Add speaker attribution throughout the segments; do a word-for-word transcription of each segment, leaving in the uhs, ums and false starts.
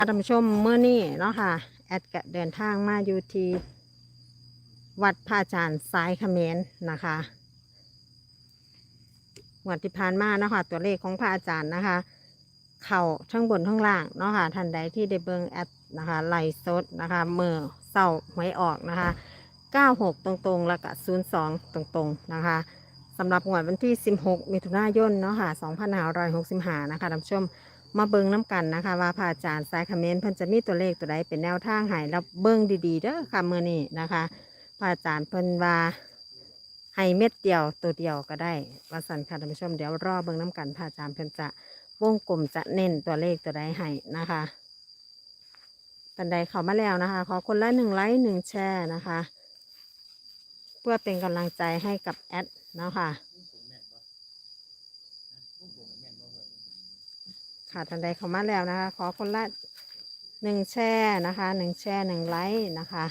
Speaker 1: ท่านผู้ชมเมื่อนี้เนาะค่ะแอดกะเดินทางมาอยู่ที่วัดพระอาจารย์สายเขมรนะคะวันที่ผ่านมาเนาะค่ะตัวเลขของพระอาจารย์นะคะ เข่าทั้งบนทั้งล่างเนาะค่ะท่านใดที่ได้เบิ่งแอดนะคะไลฟ์สดนะคะเมื่อเศร้าหวยออกนะคะเก้าหกตรงๆแล้วก็ศูนย์สองตรงๆนะคะสำหรับงวดวันที่สิบหกมิถุนายนเนาะค่ะสองพันห้าร้อยหกสิบห้านะคะท่านผู้ชมมาเบิ่งน้ำกันนะคะว่าพระอาจารย์สายเขมรเพิ่นจะมีตัวเลขตัวใดเป็นแนวทางให้แล้วเบิ่งดีๆเด้อค่ะมื้อนี้นะคะพระอาจารย์เพิ่นว่าให้เม็ดเดียวตัวเดียวก็ได้ว่าสั่นค่ะท่านผู้ชมเดี๋ยวรอเบิ่งน้ำกันพระอาจารย์เพิ่นจะวงกลมจะเน้นตัวเลขตัวใดให้นะคะท่านใดเข้ามาแล้วนะคะขอคนละหนึ่งไลค์หนึ่งแชร์นะคะเพื่อเป็นกำลังใจให้กับแอดเนาะค่ะค่ะท่านใดเข้ามาแล้วนะคะขอคนละหนึ่งแชร์นะคะหนึ่งแชร์หนึ่งไลค์นะคะ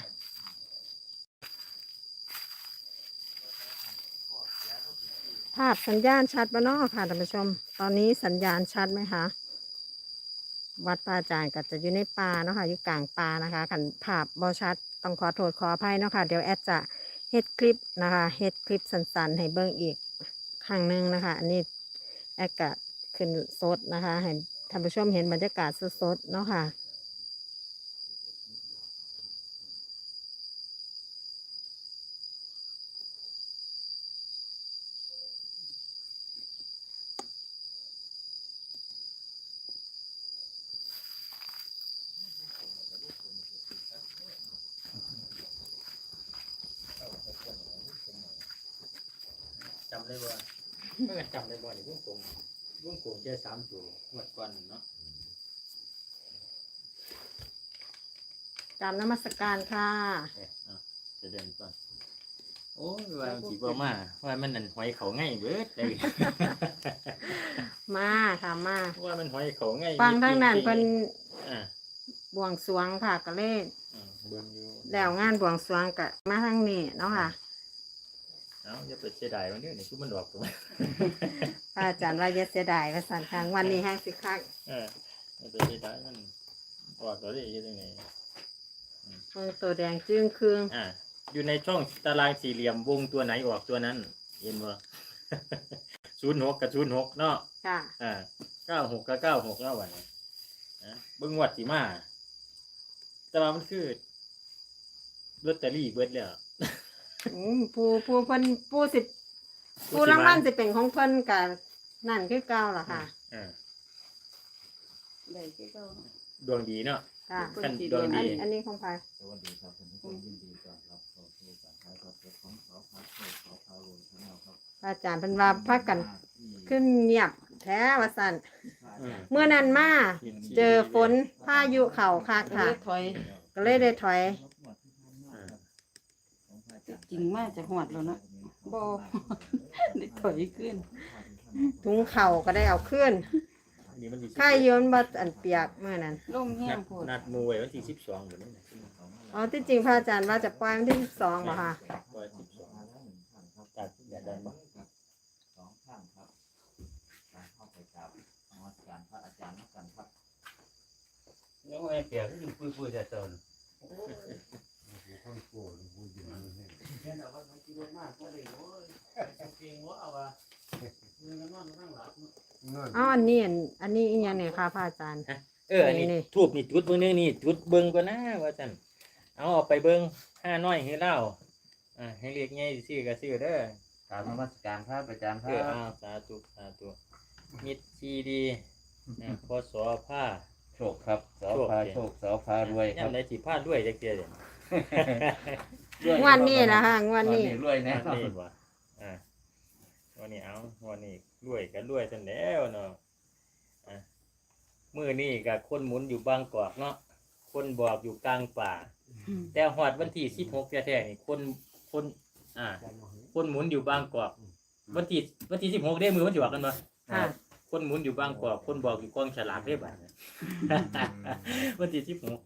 Speaker 1: ภาพสัญญาณชัดบ้านอกค่ะท่านผู้ชมตอนนี้สัญญาณชัดไหมคะวัดพระอาจารย์ก็จะอยู่ในป่าเนาะค่ะอยู่กลางป่านะคะขันภาพบอชัดต้องขอโทษขออภัยเนาะค่ะเดี๋ยวแอดจะเฮ็ดคลิปนะคะเฮ็ดคลิปสั้นๆให้เบิ่งอีกครั้งหนึ่งนะคะอันนี้แอดก็ขึ้นสดนะคะให้ท่านผู้ชมเห็นบรรยากาศสดๆเนาะค่ะ
Speaker 2: จำได้บ่เมื่อจำได้บ่ในวงกลมวงกลมแค่สามตัวหมดก่อนเนาะ
Speaker 1: กราบนมัสการค่ะ
Speaker 2: เอ๊ะเอาจะเดินก่อนโอ้ยว่าสิบ่มาว่ามันนั่นหอยเขาง่ายเบิดเลย
Speaker 1: มาค่ะมา
Speaker 2: ว่ามันหอยเขาง่าย
Speaker 1: ฟังทั้งนั้นเป็น
Speaker 2: อ่า
Speaker 1: บวงสรวงค่ะก็เลย
Speaker 2: อ่าเบิ่งอยู่
Speaker 1: แล้วงานบวงสรวงกะมาทางนี้เนาะค่ะ
Speaker 2: เอ้าอย่าไปเสียดายมันเด้อนี่คือมันดอกตัว
Speaker 1: พระอาจารย์ว่าอย่าเสียดายว่าสันทางวันนี้แห้งสิคัก
Speaker 2: เอออย่าไปเสียดายมันออกตัวได้อยู่ตรงไหน
Speaker 1: เมืองตัวแดงจึ้งคืง
Speaker 2: อ่าอยู่ในช่องตารางสี่เหลี่ยมวงตัวไหนออกตัวนั้นเห็นบ่ ศูนย์หกกับศูนย์หกเนาะ
Speaker 1: ค่ะ
Speaker 2: อ่าเก้าหกกับเก้าหกแล้ววันนี้นะเบิ้งวัดสีมาแต่ว่ามันคือลอตเตอรี่เบิดแล้ว
Speaker 1: อืมผู้ผู้เพิ่นผู้สิผู้รางวัลสิเป็นของเพิ่นกับนั่นคือเก่าล่ะค่ะ
Speaker 2: อ่า
Speaker 1: ได้คือเก่า
Speaker 2: ดวงดีเนาะ
Speaker 1: ค่ะ
Speaker 2: ท่านดวงดี
Speaker 1: อันอันนี้ของใคร
Speaker 3: สวัสดีครับท่านผู้ชมยินดีต้อนรับเข้าสู่การถ่ายทอดสดของสพโชคสพรวยชาแนลครับ
Speaker 1: พระอาจารย์เพิ่นว่าพักกันขึ้นเงียบแท้ว่าซั่น
Speaker 2: อืม
Speaker 1: เมื่อนั้นมาเจอฝนพายุเข้าคักค่ะ
Speaker 4: ถอย
Speaker 1: ก็เลยได้ถอย
Speaker 4: จริงมากจะหอดแล้วนะบอ ได้ถอยขึ้น
Speaker 1: ถุงเข่าก็ได้เอาขึ้น
Speaker 2: อันนี้มันสิ
Speaker 1: ค่ายโยนบ่อันเปียกเมื่อนั้น
Speaker 4: ล่มแห้
Speaker 2: นั
Speaker 4: ง
Speaker 2: ด
Speaker 4: โพด
Speaker 2: นัดหมูไว้วันที่สิบสองเดี๋ยวนี้นะ
Speaker 1: อ๋อที่จริงพระอาจารย์ว่าจะปล่อยวันที่สิบสองบ่ค่ะ
Speaker 2: วันสิบสองตัดอย่าได้บ่
Speaker 3: สองข้างครับการเข้าไปกราบนมัสการพระอาจารย์นักกันครับ
Speaker 5: nếu mà em kể cái vui vui ra tờn
Speaker 1: อ๋ออันนี้อันอันนี้อีกอย่างเนี่ยค่ะพระอาจารย์
Speaker 2: เอออันนี้
Speaker 1: นี่
Speaker 2: ทูบนี่จุดเบิ่งเด้อนี่จุดเบิ่งก่อนนะว่าซั่นเอาออกไปเบิ่งห้าน้อยให้เล่าอ่าให้เรียกใหญ่ซื้อก็ซื้อเด้อ
Speaker 3: กราบนมัสการพระอาจารย์ค
Speaker 2: เอ
Speaker 3: รั
Speaker 2: อบ อ้าวสาธุสาธุมิตรชีดีอ่าพอสอผ้า
Speaker 3: โชคครับสอพาโชคสอพารวยครับ
Speaker 2: ย่ำได้สิผ้าด้วยจักเทียเด่น
Speaker 1: งวดนี้ล่ะค่ะงวดนี้
Speaker 3: รวยแน่
Speaker 2: นี่บ่อ่าวันนี้เอาวันนี้รวยก็รวยซั่นแล้วเนาะอ่ามื้อนี้ก็คนหมุนอยู่บางกอกเนาะคนบอกอยู่กลางป่า แต่ฮอดวันที่สิบหกแท้ๆนี่คนคนอ่า คนหมุนอยู่บางกอกวันที่วันที่สิบหกได้มือวันที่ว่ากันบ่
Speaker 1: ค่ะ
Speaker 2: คนหมุนอยู่บางกอกคนบอกอยู่กองฉลากได้บ่าด วันที่สิบหก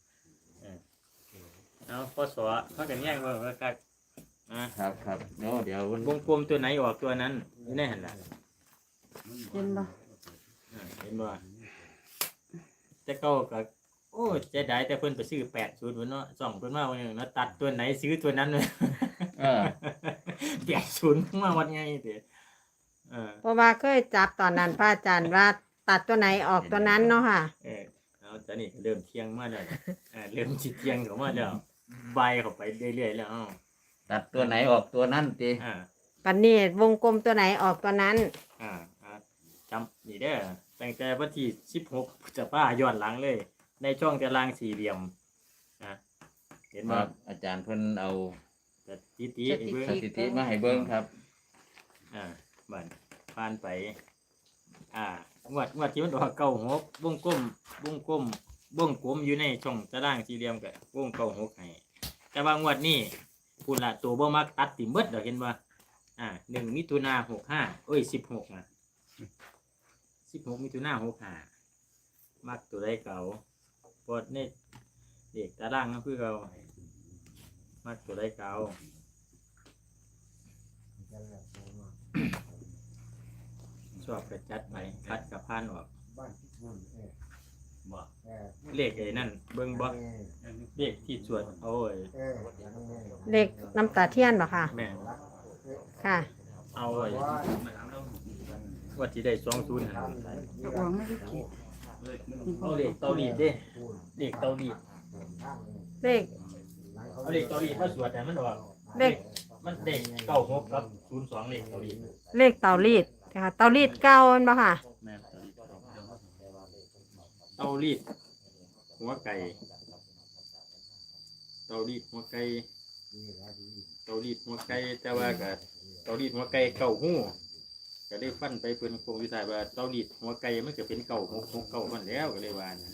Speaker 2: เอาพอสอเขากันแย่งว่าว่ากัดอ่า
Speaker 3: ครับครับเดี๋ยวเดี๋ยววัน
Speaker 2: วงกลมตัวไหนออกตัวนั้นอยู่ในหันล่ะ
Speaker 1: เห็นบ่
Speaker 2: อ่าเห็นบ่แต่เก้ากับโอ้เจ๊ได้แต่เพิ่นไปซื้อแปดศูนย์เนาะส่องเพิ่นมาวันนึงเนาะตัดตัวไหนซื้อตัวนั้นเลย
Speaker 3: เออ
Speaker 2: แปดศูนย์มาวัดไงเด้อเออ
Speaker 1: เพราะว่าเคยจับตอนนั้นพระอาจารย์ว่าตัดตัวไหนออกตัวนั้นเนาะค่ะ
Speaker 2: เออเอาตอนนี้เริ่มเที่ยงมาแล้วเออเริ่มสิเที่ยงเข้ามาแล้วใบเข้าไปเรื่อยๆแล้วอ้าว
Speaker 3: ตัดตัวไหนออกตัวนั้นติ
Speaker 2: อ่า
Speaker 1: ปันนี้วงกลมตัวไหนออกตัวนั้น
Speaker 2: อ่าอ่าจำนี่เด้อตั้งแต่วันที่สิบหกจะป้าย้อนหลังเลย ในช่องตารางสี่เหลี่ยมอ่ะเห็น
Speaker 3: ค
Speaker 2: บ่
Speaker 3: รับอาจารย์เพิ่นเอา
Speaker 2: สถิติให้เบิ่ง
Speaker 3: สถิติมาให้เบิ่งครับ
Speaker 2: อ่าบันผ่านไป อ่างวดงวดที่มันออกเก้าหกวงกลมวงกลมวงกลมอยู่ในช่องตารางสี่เหลี่ยมกับวงเก้าหกให้แต่ว่างวดนี้พูดละตัวบ่มักตัดติเบิดดอกเห็นบ่อ่าหนึ่งมิถุนาหกห้าเอ้ยสิบหกนะสิบหกมิถุนาหกห้ามักตัวใดเก่าปอดในเด็กตารางก็คือเก่ามักตัวใดเก่า ชอบกระจัดไปคัดกับพานออกบ่เลขไอ้นั่นเบิ่งบ่เลขที่สวดเอาไอ้
Speaker 1: เลขน้ำตาเทียนเหรอค่ะ
Speaker 2: แม่
Speaker 1: ค่ะ
Speaker 2: เอาไอ้ว่าที่ได้สองศูนย์หา
Speaker 4: เอาออกไม่ได้ขีด
Speaker 2: เอาเลขเตาลีดเด้เลขเตาลีด
Speaker 1: เลข
Speaker 2: เอาเลขเตาลีดมาสวดแต่มันออก
Speaker 1: เลข
Speaker 2: มันเด็กเก้าหกครับศูนย์สองเลขเตาลีด
Speaker 1: เลขเตารีดค่ะ เตารีดเก้าอันบ่ค่ะ
Speaker 2: แม่เตาลีดหัวไก่เตาลีดหัวไก่เตาลีดหัวไก่แต่ว่าก็เตาลีดหัวไก่เก่าหู้ก็ได้ฟันไปเพิ่นคงวิสัยว่าเตาลีดหัวไก่มันก็เป็นเก่าหกหกเก่ามันแล้วก็เลยว่านะ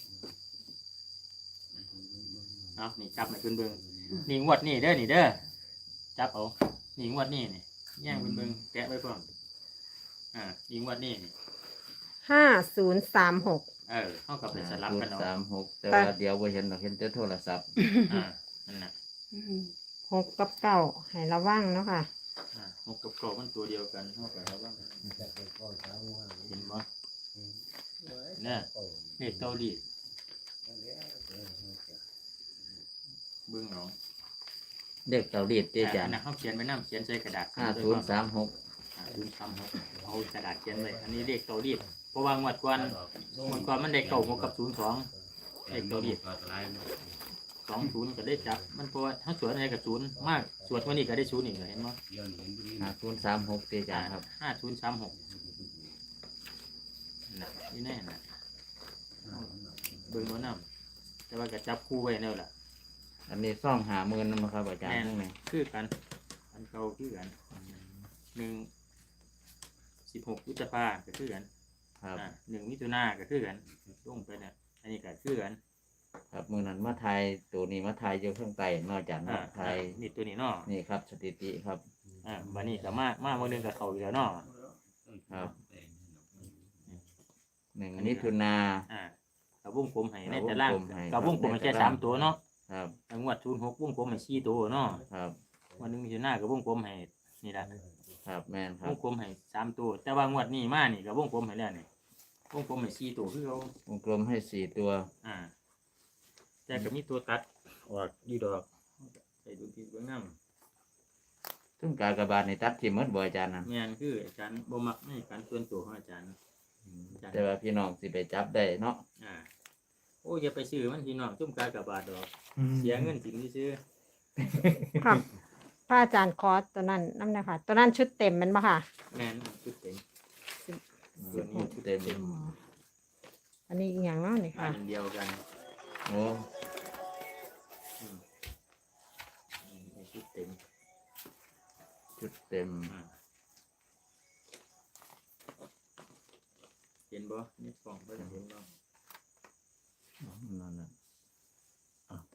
Speaker 2: เอานี่จับมาเพิ่นเบิ่งนี่งวดนี่เด้อนี่เด้อจับเอานี่งวดนี่นี่แย่งเพิ่นเบิ่งแกะไว้พร้อมอ่านี่งวดนี่นี่
Speaker 1: ห้าศูนย์สามหก
Speaker 2: เออเท่ากับเป็นสลับกันเอา
Speaker 3: สามหกแต่ว่าเดี๋ยวบ่เห็นดอกเห็นแต่โทรศัพท์
Speaker 2: อ่านั่นน่ะ
Speaker 4: อืม
Speaker 1: หกกับเก้าให้ระวังเนาะค่ะ
Speaker 2: อ่าหกกับเก้ามันตัวเดียวกันเท่ากับแล้วบ้างเห็นบ่เนี่ยเลขเตาลีดเบิ่งเอา
Speaker 3: เด็กเกาหลีติอาจาร
Speaker 2: อัน
Speaker 3: ย์
Speaker 2: นั้นเขาเขียนไว้น้ำเขียนใส่กระดาษ
Speaker 3: ห้าศูนย์สามหก
Speaker 2: ห้าศูนย์สามหกเอากระดาษเขียนไว้อันนี้เลขเตาลีดเพราะว่างวดก่อนงวดก่อนมันได้เก้าหกกับศูนย์สองเลขเตาลีดสองศูนย์ก็ได้จับมันเพราะว่าถ้าสวดอะไรกับศูนย์มากสวดวันนี้ก็ได้ศูนย์อีกเลยเห็นบ่
Speaker 3: ห้าศูนย์สามหกติอาจารย์ครับ
Speaker 2: ห้าศูนย์สามหกน่ะนี่แน่น่ะเบิ่งว่าน้ำแต่ว่าก็จับคู่ไว้แล้วล่ะ
Speaker 3: อันนี้ซ่องหาหมื่นนำครับอาจารย์
Speaker 2: แม่น
Speaker 3: ทั้งไหน
Speaker 2: คือกันอันเก่าคือกันหนึ่งสิบหกพฤษภาก็คือกัน
Speaker 3: ครับ
Speaker 2: อ่าหนึ่งมิถุนาก็คือกันลงไปเนี่ยอันนี้ก็คือกัน
Speaker 3: ครับมือนั้นมาไทยตัวนี้มาไทยอยู่ข้างใต้นอกจาก
Speaker 2: อ่า
Speaker 3: มาไทย
Speaker 2: นี่ตัวนี้เนาะ
Speaker 3: นี่ครับสถิติครับ
Speaker 2: อ่าวันนี้ก็มามาวันนึงกับเขาอยู่แล้วเนาะ
Speaker 3: ครับหนึ่งมิถุนา
Speaker 2: อ่ากับวงกลมให้ในแต่ล่าง
Speaker 3: วงกลมให้
Speaker 2: กับวงกลมให้แค่สามตัวเนาะ
Speaker 3: ครับ
Speaker 2: งวดศูนย์หกวงกลมให้สี่ตัวเนาะ
Speaker 3: ครับ
Speaker 2: วันหนึงมิถุนากับวงกลมให้นี่แหละ
Speaker 3: ครับแม่นคว รับ
Speaker 2: งกลมให้สามตัว แต่ว่างวดนี้มานี่กับวงกลมให้แล้วนี่วงกลมให้สี่ตัวคือเขา
Speaker 3: วงกลมให้สี่ตัว
Speaker 2: อ่า แต่ก็มีตัวตัดออกอยี่ดอกใส่ดูที่เบื้องน้
Speaker 3: ซึ่งการกระบาดในตัดที่หมดบ่อาจารย์นะ
Speaker 2: ำแม่นคืออาจารย์บ่มักในการส่วนตัวของอาจารย์ อาจารย์
Speaker 3: แต่ว่าพี่น้องสิไปจับได้เนาะ
Speaker 2: อ่าโอ้ยอย่าไปซื้อมันพี่น้องจุ่มกากระบาดดอก เสียเงินสิงซื้อ
Speaker 1: ครับพระอาจารย์คอสตัวนั้นนั่นนะคะตัวนั้นชุดเต็มแมันบ่ค่ะ
Speaker 2: แม่นชุดเต็ม
Speaker 3: ส่วนนี้เต็ม
Speaker 1: อ๋ออันนี้อีกอย่างเนาะนี่
Speaker 2: อั
Speaker 1: ค่ะ
Speaker 2: นเดียวกัน
Speaker 3: โอ้
Speaker 2: อืมอืมชุดเต็ม
Speaker 3: ชุดเต็ม
Speaker 2: อ่าเห็นบ่นี่กล่องเบิ่งเห็นบ่
Speaker 3: นั่นน่ะอ่ะ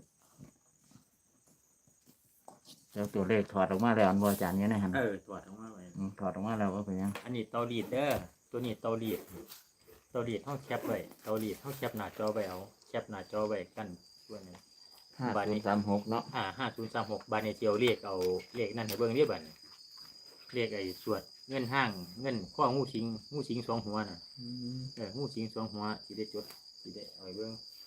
Speaker 3: แล้วตัวเลขถอดออกมาแล้วอันบ่อาจารย์เนี่ยนะฮะ
Speaker 2: เออถอดออกมาไว้
Speaker 3: อืมถอดออกมาแล้วว่าเป็นยัง
Speaker 2: อันนี้เตารีดเด้อตัวนี้เตารีดเตารีดเฮาแคปไว้เตารีดเฮาแคปหน้าจอไว้เอาแคปหน้าจอไว้กันตัวนี้
Speaker 3: ห้าศูนย์สามหกเนาะ
Speaker 2: อ่าห้าศูนย์สามหกบาทในเจียวเรียกเอาเลขนั่นให้เบิ่งเรียบัดเรียกไอ้สวดเงินห้างเงินข้องูสิงงูสิงสองหัวน่ะเอองูสิงสองหัวสิได้จดสิได้เอาไปเบิ่ง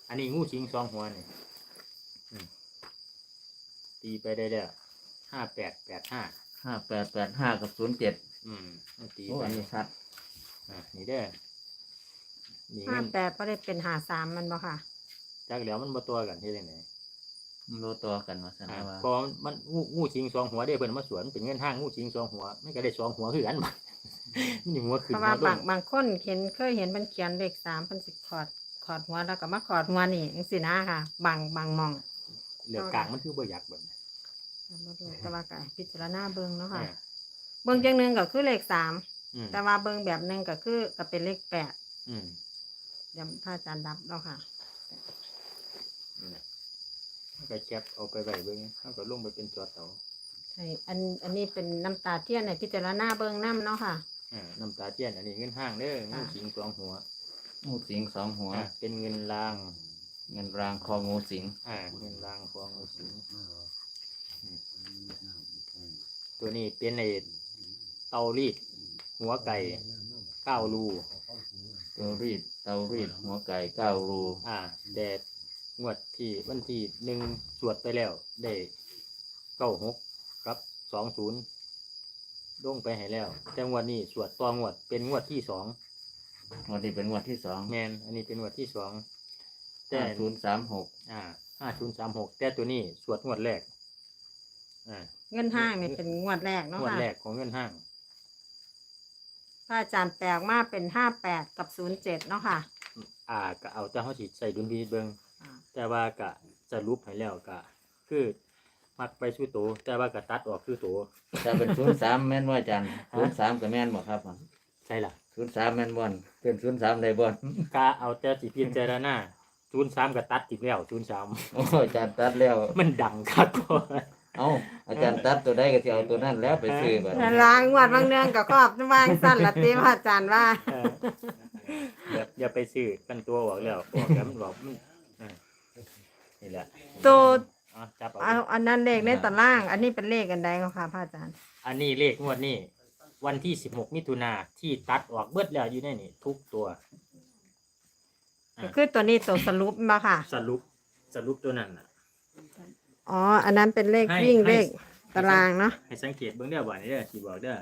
Speaker 2: อันนี้งูสิงสองหัวนี่อืมตีไปได้แล้วห้าแปดแปดห้า
Speaker 3: ห้าแปดแปดห้ากับศูนย์เจ็ด
Speaker 2: อืมเอาตี
Speaker 3: โอ้
Speaker 2: ไป
Speaker 3: อันนี้ชัด
Speaker 2: อ่ะนี่เด้อนี่
Speaker 1: ห้า
Speaker 2: เงิน
Speaker 1: แปดก็ได้เป็นหาสามมันบ่ค่ะ
Speaker 2: จากแล้วมันบ่ตัวกันที่ไหน
Speaker 3: มันรู้ตัวกันว่าสัน
Speaker 2: อ่า
Speaker 3: ว่า
Speaker 2: พอมันงูงูสิงสองหัวได้เพิ่นมาสวนเป็นเงินห้างงูสิงสองหัวมันก็ได้สองหัวคือกันบ่ มันอยู่หัวขึ้
Speaker 1: เพ
Speaker 2: น
Speaker 1: ราะ
Speaker 2: หั
Speaker 1: ว่าว
Speaker 2: ล
Speaker 1: บาง
Speaker 2: ง
Speaker 1: บางคนเห็นเคยเห็นมันเขียนเลขสามมันสิขอดขอดหัวแล้วก็มาขอดหัวนี่จังซี่นะค่ะ บางบางหมอง
Speaker 2: เหลือกลางมันคือบ่อยากเบิ่ง
Speaker 1: บ่รู้แต่ว่าก็พิจารณาเบิ่งเนาะค่ะ
Speaker 2: อ่า
Speaker 1: เบิ่งจังหนึงก็คือเลขสาม
Speaker 2: อืม
Speaker 1: แต่ว่าเบิ่งแบบหนึงก็คือก็เป็นเลขแปด
Speaker 2: อืม
Speaker 1: เดี๋ยวพระอาจารย์ดับแล้วค่ะ
Speaker 2: นี่แหละมันก็แคปเอาไปไว้เบิ่งเฮาก็ลงไปเป็นจอเตา
Speaker 1: ใช่อันอันนี้เป็นน้ำตาเทียนในพิจารณาเบิ่งน้ำเนาะค่ะ
Speaker 2: อ่าน้ำตาเทียนอันนี้เงินห้างเด้องู
Speaker 1: ค่ะ
Speaker 2: สิงสองหัว
Speaker 3: งูสิงสองหัว
Speaker 2: อ่าเป็นเงินราง
Speaker 3: เงินรางคองูสิง
Speaker 2: อ่าเงินรางของงูสิงอืมตัวนี้เป็นไอ้เตารีดหัวไก่เก้ารู
Speaker 3: ตัวรีดเตารีดหัวไก่เก้ารู
Speaker 2: อ่าแดดงวดที่วันที่หนึ่งสวดไปแล้ว ได้เก้าหกกับสองศูนย์ลงไปให้แล้ว แต่งวดนี้สวดต่องวดเป็นงวดที่สอง
Speaker 3: งวดนี้เป็นงวดที่สอง
Speaker 2: แมนอันนี้เป็นงวดที่สองแต่
Speaker 3: ห้าศูนย์สามหก
Speaker 2: อ่าห้าศูนย์สามหกแต่ตัวนี้สวดงวดแรกอ่า
Speaker 1: เงินห้างนี่เป็นงวดแรกเนาะ
Speaker 2: งวด
Speaker 1: ค่ะ
Speaker 2: แรกของเงินห้าง
Speaker 1: พระอาจารย์แปลกมาเป็นห้าแปดกับศูนย์เจ็ดเนาะค่ะ
Speaker 2: อ่าก็เอาแต่เขาสิใส่ดุลพินิจเบิง
Speaker 1: อ่า
Speaker 2: แต่ว่าก็สรุปให้แล้วก็คือมักไปสู้โตแต่ว่าก็ตัดออกคือโต
Speaker 3: จะเป็นศูนย์สามแม่นว่าอาจันศูนย์สามกับแม่นบ่ครับ
Speaker 2: ใช่ล่ะ
Speaker 3: ศูนย์สามแม่นบ่อนเป็นศูนย์สามได้บ่อน
Speaker 2: กาเอาแต่สิพิจารณาศูนย์สามก็ตัดติดแล้วศูนย์สาม
Speaker 3: โอ้ยอาจารย์ตัดแล้ว
Speaker 2: มันดังครับก็
Speaker 3: เอ้าอาจารย์ตัดตัวได้ก็สิเอาตัวนั้นแล้วไปซื้อบัด
Speaker 1: แต่ล้างงวดบางเนืองกับครอบวางสั้นละตีพระอาจารย์ว่า
Speaker 2: เอออย่าอย่าไปซื้อกันตัวออกแล้วออกแล้วมันบอกมันเออนี่แหละ
Speaker 1: ตัว
Speaker 2: เอาจับ
Speaker 1: เอา
Speaker 2: เอา
Speaker 1: อันนั้นเลขในตาราง อันนี้เป็นเลขกันใดก็ค่ะพระอาจารย์
Speaker 2: อันนี้เลขงวดนี้วันที่สิบหกมิถุนาที่ตัดออกเบิดแล้วอยู่ในนี่ทุกตัว อ่า
Speaker 1: ก็คือตัวนี้ตัวสรุปมาค่ะ
Speaker 2: สรุปสรุปตัวนั้นน่ะ
Speaker 1: อ๋อ อันนั้นเป็นเลข
Speaker 2: ให้
Speaker 1: วิ่ง
Speaker 2: ให้
Speaker 1: เลขตารางเนาะ
Speaker 2: ให้สังเกตเบื้องเด้อบ่านี้เด้อสีบอกเด้อ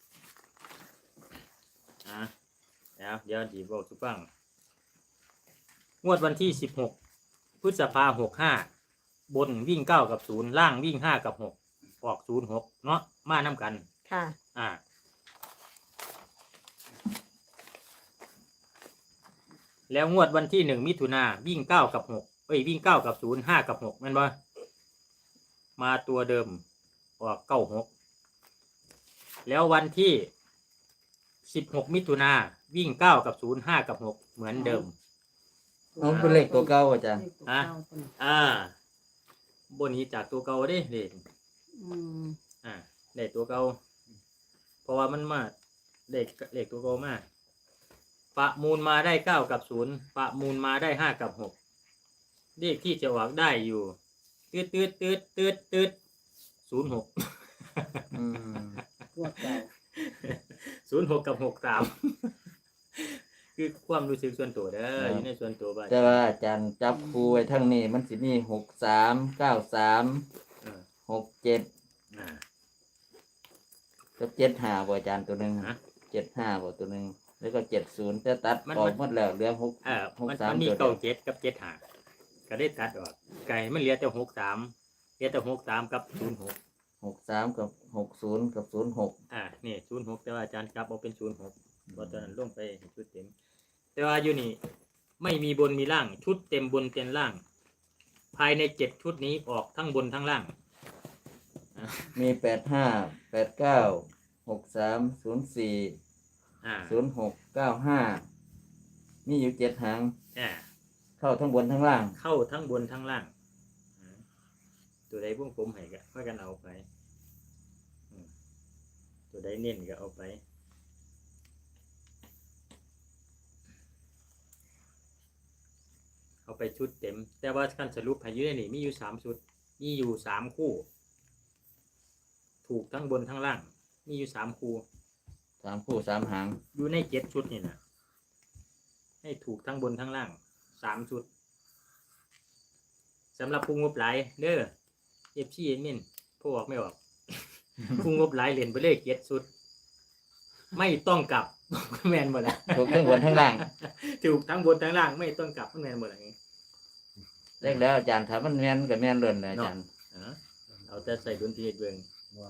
Speaker 2: อ่ะเดี๋ยวเดี๋ยวสีบอกสุฟังงวดวันที่สิบหกพฤษภาหกห้าบนวิ่งเก้ากับศูนย์ล่างวิ่งห้ากับหกออกศูนย์หกเนาะมาน้ำกัน
Speaker 1: ค่ะ
Speaker 2: อ่าแล้วงวดวันที่หนึ่งมิถุนาวิ่งเก้ากับหกเอ้ยวิ่งเก้ากับศูนย์ห้ากับหกแม่นบ่มาตัวเดิมออกเก้าหกแล้ววันที่สิบหกมิถุนาวิ่งเก้ากับศูนย์ห้ากับหกเหมือนเดิม
Speaker 3: เอาเป็นเลขตัวเก่าอาจารย์
Speaker 2: อ่ะ อ่าบนนี้จากตัวเก่าเด้เด็ก
Speaker 4: อืม
Speaker 2: อ่าเลขตัวเก่าเพราะว่ามันมาเลขเลขตัวเก่ามาประมูลมาได้เก้ากับศูนย์ประมูลมาได้ห้ากับหกเลขที่จะออกได้อยู่ตืดตืดตืดตืดตืดศูนย์หก
Speaker 3: อืม
Speaker 4: ตัวเก่า
Speaker 2: ศูนย์หกกับหกสาม คือความรู้สึกส่วนตัวเด้ออยู่ในส่วนตัวบ้าน
Speaker 3: แต่ว่าอาจารย์จับครูไว้ทั้งนี้มันสิมีหกสามเก้าสาม
Speaker 2: เออ
Speaker 3: หกเจ็ด
Speaker 2: อ่า
Speaker 3: กับเจ็ดห้าบ่อาจารย์ตัวหนึ่ง
Speaker 2: ฮะ
Speaker 3: เจ็ดห้าบ่ตัวหนึ่งแล้วก็เจ็ดศูนย์แต่ตัด
Speaker 2: มัน
Speaker 3: ออ
Speaker 2: มั
Speaker 3: ก
Speaker 2: น
Speaker 3: หมดแล้วเหลือหก
Speaker 2: เออ
Speaker 3: หก
Speaker 2: มัน
Speaker 3: สาม
Speaker 2: มันมี
Speaker 3: ตัวเดี
Speaker 2: เก้า
Speaker 3: ยว
Speaker 2: เจ็ดกับเจ็ดห้าก็ได้ตัดออกไก่มันเหลือแต่หกสามเหลือแต่หกสามกับศูนย์หก
Speaker 3: หกสามกับหกศูนย์กับศูนย์หก
Speaker 2: อ่านี่ศูนย์หกแต่ว่าอาจารย์กลับเอาเป็นศูนย์หกเพราะตอนนั้นลงไปชุดเต็ม แต่ว่าอยู่นี่ไม่มีบนมีล่าง ชุดเต็มบนเต็มล่าง ภายในเจ็ดชุดนี้ออกทั้งบนทั้งล่าง
Speaker 3: มีแปดห้าแปดเก้าหกสามศูนย์สี่
Speaker 2: อ่า
Speaker 3: ศูนย์หกเก้าห้ามีอยู่เจ็ดหาง
Speaker 2: อ่า
Speaker 3: เข้าทั้งบนทั้งล่าง
Speaker 2: เข้าทั้งบนทั้งล่างอ่าตัวใดพวกผมให้ก็ค่อยกันเอาไปอืมตัวใดเน้นก็เอาไป เอาไปชุดเต็ม แต่ว่าการสรุปให้อยืนนี่มีอยู่สามชุด มีอยู่สามคู่ ถูกทั้งบนทั้งล่าง มีอยู่สามคู่
Speaker 3: สามคู่สามหาง
Speaker 2: อยู่ในเจ็ดชุดนี่นะให้ถูกทั้งบนทั้งล่างสามชุดสำหรับผู้งบหลายเด้อเอฟซีเอ็มินผู้ออกไม่ออก ผู้งบหลายเหรียญไปเลยเกียรติสุด ไม่ต้องกลับ แมนหมดละ
Speaker 3: ถูกทั้งบนทั้งล่าง
Speaker 2: ถูกทั้งบนทั้งล่างไม่ต้องกลับแมนหมดละ
Speaker 3: เลขแล้วอาจารย์ถ้ามันแม่นก็แม่นเลื่อนเลยอาจารย์
Speaker 2: อ๋อเอาแต่ใส่ดนตรีเบิ่ง
Speaker 5: ว่า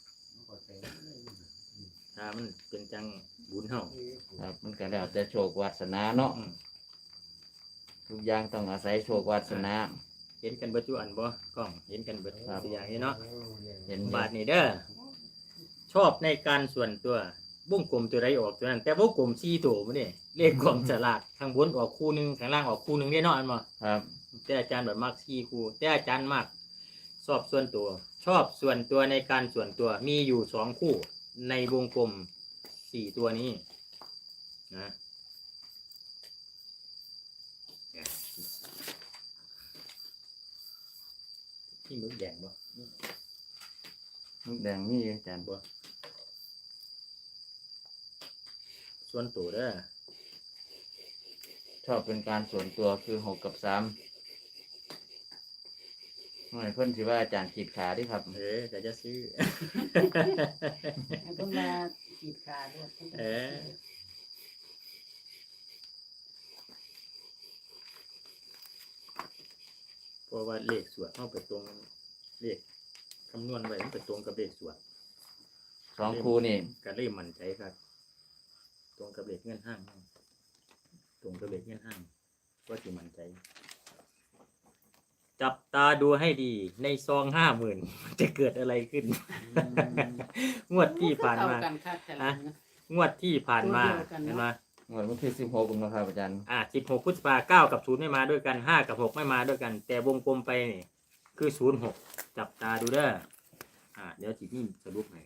Speaker 2: ถ้ามันเป็นจังบุญเฮา
Speaker 3: ครับมันก็แล้วแต่โชควาสนาเนาะ
Speaker 2: อืม
Speaker 3: ทุกอย่างต้องอาศัยโชควาสนา
Speaker 2: เห็นกันเบิดจุอันบ่กล้องเห็นกันเบิด
Speaker 3: ครับ
Speaker 2: ตัวอย่างนี้เนาะ
Speaker 3: เห็น
Speaker 2: บาทนี่เด้อชอบในการส่วนตัววงกลมตัวใดออกตัวนั้น แต่วงกลมสี่ตัวมันนี่เลขความฉลาดข้างบนออกคู่หนึงข้างล่างออกคู่หนึงได้เนาะอันบ่
Speaker 3: ครับ
Speaker 2: แต่อาจารย์แบบมักสี่คู่แต่อาจารย์มากชอบส่วนตัว ชอบส่วนตัวในการส่วนตัวมีอยู่สองคู่ ในวงกลมสี่ตัวนี้นะที่มึกแดงบ่
Speaker 3: ลูกแดงมีอยู่อาจารย์
Speaker 2: บ่ส่วนตัวเด้อ
Speaker 3: ชอบเป็นการส่วนตัวคือหกกับสามหน่อยเพิ่นสิว่าอาจารย์ขีดขาเดิครับ
Speaker 2: เออแต่จะซื้อ
Speaker 4: ให้เพิ่นมาขีดขาด้วยพิ่นก็
Speaker 2: เออ เพราะว่าเลขสวดเข้าไปตรงเลขคำนวณไว้มันไปตรงกับเลขสวด
Speaker 3: สองคู่นี่
Speaker 2: ก็เลยมั่นใจครับ ตรงกับเลขเงินห้าง ตรงกับเลขเงินห้างก็ที่มั่นใจ จับตาดูให้ดีในซองห้าหมื่นจะเกิดอะไรขึ้น งวดที่ผ่านมา
Speaker 4: เข้กันคักแต่ละนะ
Speaker 2: งวดที่ผ่านมา
Speaker 4: ตัวเดียวกันเนอะ
Speaker 2: เห็นไหม
Speaker 3: งวดวันที่สิบหกนะครับอาจารย์
Speaker 2: อ่าสิบหกพฤษภาเก้ากับศูนย์ไม่มาด้วยกันห้ากับหกไม่มาด้วยกัน แต่วงกลมไปนี่คือศูนย์หกจับตาดูเด้ออ่าเดี๋ยวจินี่สรุปให้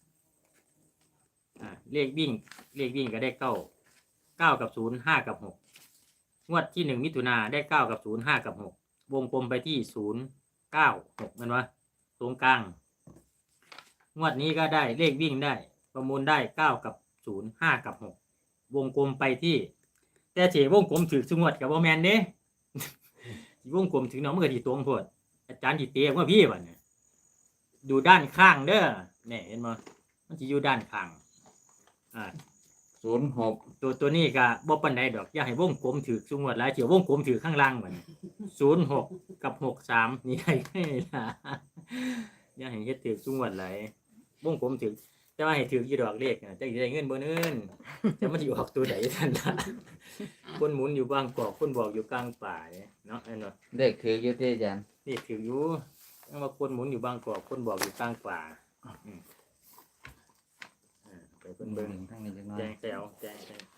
Speaker 2: อ่าเลขวิ่งเลขวิ่งก็ได้เก้าเก้ากับศูนย์ห้ากับหกงวดที่หนึ่งมิถุนาได้เก้ากับศูนย์ห้ากับหกวงกลมไปที่ศูนย์เก้าหกมันวะตรงกลางงวดนี้ก็ได้เลขวิ่งได้ ประมูลได้เก้ากับศูนย์ห้ากับหกวงกลมไปที่ แต่เฉวงกลมถือสงวดกับบ่แมนเด้ วงกลมถึงน้องมันก็ที่ตรงโพดอาจารย์ที่เตะว่าพี่บ่เนี่ยดูด้านข้างเด้อเนี่ยเห็นบ่มันจะอยู่ด้านข้างอ่า
Speaker 3: ศูนย์หก
Speaker 2: ตัวตัวนี้ก็บ่ปานใดดอกอย่าให้วงกลมถือสงวดหลายเฉียววงกลมถือข้างล่างบ่เนี่ยศูนย์หกกับหกสามนี่ให้ให้ล่ะอย่าให้เฮ็ดถือสงวดหลายวงกลมถือแต่ว่าให้ถือกี่ดอกเลขน่ะจะได้เงินบ่เนินจะมันสิออกตัวใดท่านล่ะ คนหมุนอยู่บางกอกคนบอกอยู่กลางป่าเนี่ยเนาะไอ้เนาะ
Speaker 3: เด็กถืออยู่ที่อาจารย์
Speaker 2: นี่ถืออยู่ยังว่าคนหมุนอยู่บางกอกคนบอกอยู่กลางป่าอืมอ่าไปเพิ่นเบิ่ง
Speaker 3: ทั้งนี้จังน้อ
Speaker 2: แจ
Speaker 3: ย
Speaker 2: งแซวแจงแซว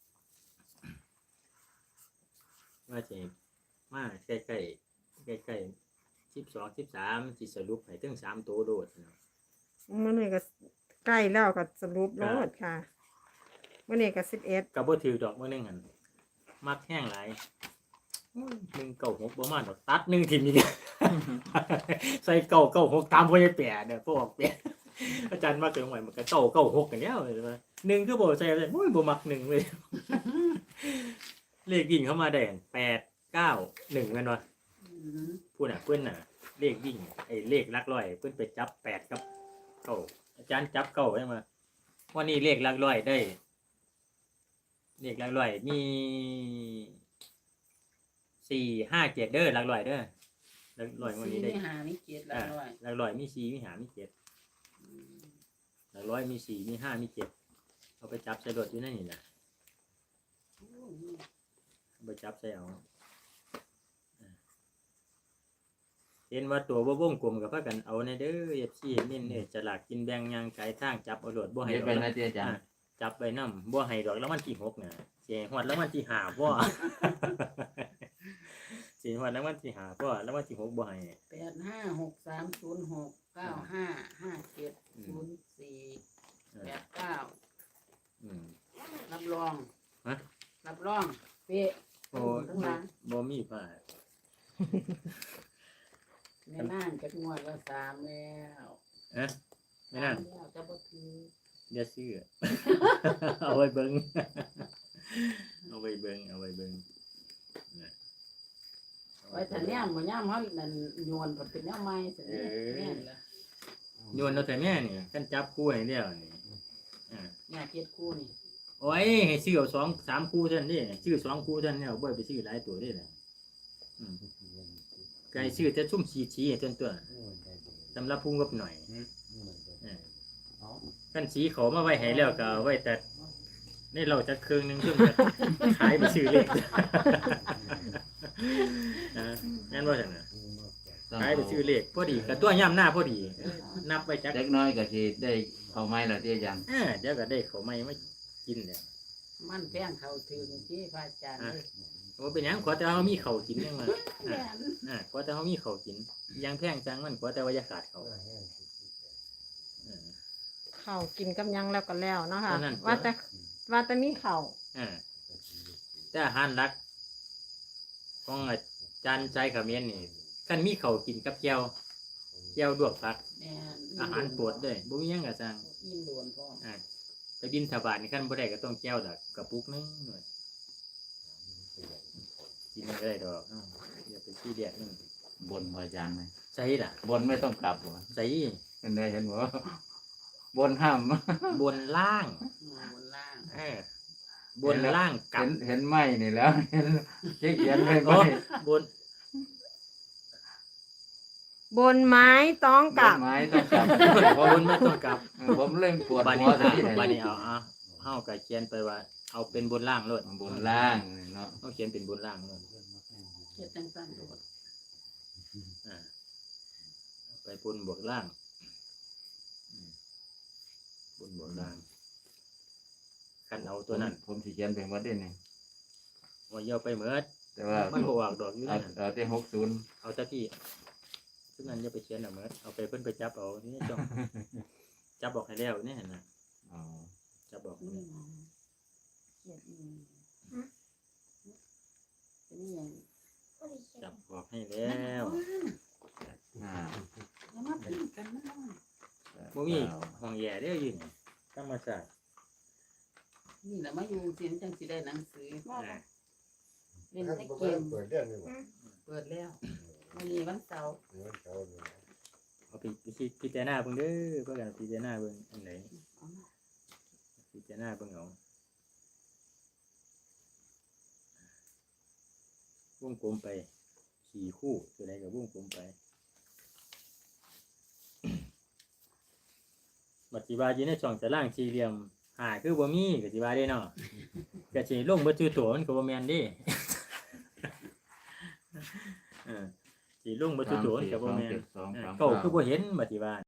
Speaker 2: ว่าสิมาใกล้ใกล้ใกล้ใกล้สิบสองสิบสามสิสรุปให้ถึงสามตัวโดดเนาะ
Speaker 1: มื่อนี้ก็ใกล้แล้วก็สรุปโลดค่ะมื่อนี้ก็สิบเอ็ด
Speaker 2: ก็บ่ถือดอกมื้อนึงหั่นมักแห้งหลายหนึ่งเก้าหกบ่มาดอกตัดหนึ่งทีมี ใส่เก้าเก้าหกตามพ่อใหญ่แปะเนี่ยพ่อออกแปะ อาจารย์มาเกิดใหม่มันก็เก้าเก้าหกกันแล้วเลยว่าหนึ่งคือบ่ใส่เลยโอ้ยบ่มักหนึ่งเลย เลขวิ่งเข้ามาได้แปดเก้าหนึ่งแม่นบ่
Speaker 4: อืม
Speaker 2: พูดน่ะเพิ่นน่ะ เลขวิ่งไอ้เลขหลักร้อยเพิ่นไปจับแปดกับเก้าอาจารย์จับเก้าใช่ไหมวันนี้เลขหลักร้อยได้ เลขหลักร้อยมีสี่ห้าเจ็ดเด้อหลักร้อยเด้อหลักร้อยวันนี้ได้
Speaker 4: สี่มีหามีเกียรติละ
Speaker 2: อ่า
Speaker 4: ร้อย
Speaker 2: หลักร้อยมีสี่มีห้ามีเจ็ดหลักร้อยมีสี่มีห้ามีเจ็ดเอาไปจับใส่รถอยู่นั่นนี่นะ
Speaker 4: โอ้ย
Speaker 2: เอาไปจับใส่เอาอ่าเห็นว่าตัวว่าวงกลมกับพากันเอาในเด้อเอฟซีนี่เนี่ยจะหลักกินแบงยังไกลทางจับเอารถบ่ให้
Speaker 3: เฮ็ด
Speaker 2: ดอก
Speaker 3: ไป
Speaker 2: ละ
Speaker 3: นะที่อาจาร
Speaker 2: อ่า
Speaker 3: ย์
Speaker 2: จับไปนำบ่ให้ดอกแล้วมันที่หกน่ะเสียหวดแล้วมันที่หาบ่ เสียหวดแล้วมันที่หาบ่แล้วมันที่หกบ่ให้
Speaker 4: แปดห้าหกสามศูนย์หกเก้าห้าห้าเจ็ดศูนย์สี่
Speaker 2: เอ
Speaker 4: แป
Speaker 2: อ
Speaker 4: ดเก้า
Speaker 2: อืม
Speaker 4: รับรอง
Speaker 2: ฮะ
Speaker 4: รับรองเป๊ะ
Speaker 2: โอ้
Speaker 4: ทั้งหลัง
Speaker 2: บ่มีพลาด
Speaker 4: แม่น่านจะงวดละสามแล้ว
Speaker 2: เอ๊ะไม่นั่น
Speaker 4: สามแล้วจะบ่ถือ
Speaker 2: อย่าซื้อ เอาไว้เบิ่ง เอาไว้เบิ่งเอาไว้เบิ่งนะเอา
Speaker 4: ไว้แต่เนี่ยบ่ย่ามเฮานั่นโยนบ่เป็นแนวใหม่สิแม่นล่ะ
Speaker 2: โยนเราแต่แม่นี่กันจับคู่ให้แล้วนี่อ่า
Speaker 4: เนี่ยเจ็ดคู่นี่
Speaker 2: โอ้ยให้ซื้อเอาสองสามคู่เท่านั้นนี่ซื้อสองคู่เท่านั้นแล้วบ่ไปซื้อหลายตัวได้ล่ะอืมไก่ซื้อแต่ซุ่มสีๆให้เท่านั้นตัวสำหรับพุ่งกับหน่อยอ่ากันสีเขามาไว้ให้แล้วก็เอาไว้แต่นี่เราจะเครื่องหนึงเพิ่นก็ขายไปซื้อเลขอ่างั้นว่าจังได๋ขายไปซื้อเลขพอดีก็ตัวย่ำหน้าพอดีนับไว้จัก
Speaker 3: เล็กน้อยก็สิได้เข้าไม้ละที่อาจารย์
Speaker 2: เออเดี๋ยวก็ได้เขาไม่มากินเนี่ย
Speaker 4: มันแพงเข้าถึงที่พระอาจารย์เลย
Speaker 2: โอ้เป็นหยังขอแต่เขามีเขากินยังมา
Speaker 4: แม่น
Speaker 2: อ่าขอแต่เขามีเขากินยังแพงจังมันขอแต่ว่าอย่าขาดเขาเออ
Speaker 1: เขากินกับหยังแล้วก็แล้วเนาะค่ะ
Speaker 2: เท่านั้น
Speaker 1: ว่าแต่ว่าแต่มีเขา
Speaker 2: อ่าแต่อาหารหลักของอาจารย์ใจขมิ้นนี่กันมีเขากินกับแก้วแก้วดวกผัก
Speaker 4: แม่น
Speaker 2: อาหารโปรดเลยบ่มีหยังกะสั่ง
Speaker 4: อิ่มโดนพร้อม
Speaker 2: อ่าไปบินทบาทนี่คันบ่ได้ก็ต้องแก้วดอกกระปุกนึงหน่อยกินไม่ได้ดอกอ้าวอย่าไปขี้เดียดนึง
Speaker 3: บนบ่อาจารย์ไหม
Speaker 2: ใส่ล่ะ
Speaker 3: บนไม่ต้องกลับบ่
Speaker 2: ใส่
Speaker 3: เห็นได้เห็นบ่บนห้าม
Speaker 2: บนล่าง
Speaker 4: อืมบนล่าง
Speaker 2: เออบนล่างกลั
Speaker 3: เห็
Speaker 2: บ
Speaker 3: นเห็นไม้นี่แล้ว เห็นเขียนไว้
Speaker 2: โอ้
Speaker 3: ไม้
Speaker 2: บน
Speaker 1: บนไม้ต้องกลับ
Speaker 3: ไม้ต้องกลับบ
Speaker 2: นไม่ต้องกลับ
Speaker 3: เออผมเล่นปวด
Speaker 2: บา
Speaker 3: หั
Speaker 2: นี้
Speaker 3: วซะที่ไหน
Speaker 2: บานี้เอาเอาเฮาก็เขียนไปว่า เอาเป็นบนล่างโลด
Speaker 3: บนล่างนี่เนาะ
Speaker 2: เฮาเขียนเป็นบนล่างโลด
Speaker 4: เฮ็ดจังซั่นโดด
Speaker 2: อ่าเอาไปบนบวกล่างอืมบนบวกล่างคันเอาตัวนั้น
Speaker 3: ผมสิเขียนไปหมดเด้นี่
Speaker 2: ว่าอย่าไปเหมิด
Speaker 3: แต่ว่า
Speaker 2: มันบ่ออกดอกอยู่
Speaker 3: เอา
Speaker 2: นั่น
Speaker 3: เอาที่หกสิบ
Speaker 2: เอาแต่ที่ซึ่งนั้นอย่าไปเขียนเอาเหมิดเอาไปเพิ่นไปจับเอานี่จ้องจับออกให้แล้วนี่เห็นน่ะ
Speaker 3: อ๋อ
Speaker 2: จับออก
Speaker 4: นี่
Speaker 2: นี่
Speaker 4: นะเขียนอีกเป็นอีหยัง
Speaker 2: จับออกให้แล้ว
Speaker 3: ห้า
Speaker 4: อย่ามาพิมพ์กันนะ
Speaker 2: บ่มีห้องแย่เด้ออยู่นี่ธรรมชาติ
Speaker 4: นี่แหละมาอยู่เสียงจังสิได้หนังสือ
Speaker 2: อ่า
Speaker 4: เล่นแต่เกม
Speaker 6: เปิดเรื่องนี่บ่
Speaker 4: เปิดแล้ววันนี้วันเสาร์
Speaker 6: เงินเขาเนี่ย
Speaker 2: เอาไปพิพิจารณาเบิ่งเด้อเพื่อกันพิจารณาเบิ่งอันไหน
Speaker 4: เอามา
Speaker 2: พิจารณาเบิ่งเอาวงกลมไปสี่คู่ตัวใดก็วงกลมไปบัดสิว่าอยู่ในช่องตารางสี่เหลี่ยมหาคือบ่มีก็สิว่าได้เนาะก็สิลงบ่ชื่อตัวมันก็บ่แม่นเด้ เออสิลงบ่ชื่อตัวมันก็บ่แม่น
Speaker 3: สามสี่สองเจ็ดสองสาม
Speaker 2: เออเก้าคือบ่เห็นบัดสิว่า